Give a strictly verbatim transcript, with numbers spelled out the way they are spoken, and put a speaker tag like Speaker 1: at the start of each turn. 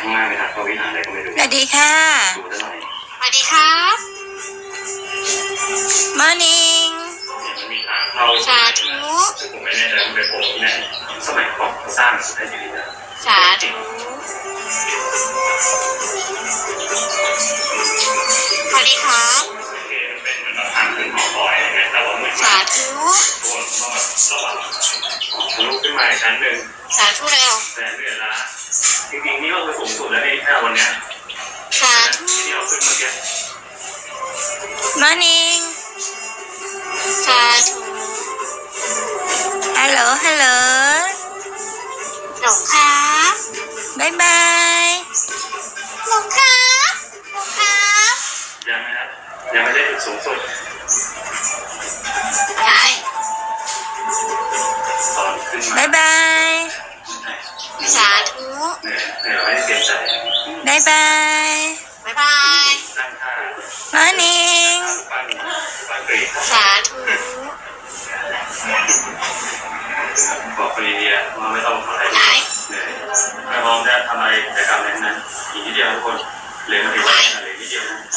Speaker 1: างล่างไปทางเข้าวิหารอะไรก็ไม่รู้
Speaker 2: สวัสดีค่ะ
Speaker 1: ดูได้หน่อย
Speaker 3: สวัสดีครับ
Speaker 2: morning
Speaker 1: เนี่ยมันมีทางเข้า
Speaker 3: สาธุ
Speaker 1: ผมไม่แน่ใจมันเป็นโผล่ที่ไหนสมัยก่อนสร้างได้ดีนะ
Speaker 3: สาธุสวัสดีครับ
Speaker 1: โอเคมันเป็นเหมือนทางขึ้นหอคอยอะไรเงี้ยแต่ว่าเหมือน
Speaker 3: สาธุ
Speaker 1: ตัวก็ระวังทะลุขึ้นมาอีกชั้นหนึ่ง
Speaker 3: สาธุเร็ว
Speaker 1: แต่เหนื่อยละจริงๆนี่ก็คือสูงสุดแล้วนี่แค่วันเนี้ย
Speaker 3: สาธุ
Speaker 1: ที่เราขึ้นเมื่อกี้
Speaker 2: morning
Speaker 3: สาธุ
Speaker 2: hello hello
Speaker 3: หลงครับ
Speaker 2: บายบาย
Speaker 3: หลงครับหลงครับ
Speaker 1: ยังนะครับยังไม่ได้จุดสูงสุด
Speaker 3: อะไร
Speaker 1: ตอนขึ้นมา
Speaker 2: บายบาย
Speaker 3: สาธุ
Speaker 1: เหนื่อยเหนื่อยไม่ได้เตรียมใจ
Speaker 2: บายบาย
Speaker 3: บ๊ายบาย
Speaker 1: ตั้งท่า
Speaker 2: morning
Speaker 1: ปั้นปั้นกรีด
Speaker 3: สาธุ
Speaker 1: บอกคนอินเดียว่าไม่ต้องทำอะไรเหนื่อยถ้าพร้อมจะทำอะไรกิจกรรมอะไรนั้นอีกนิดเดียวทุกคนเลยมาถึงว่าเหลือนิดเดียวนะ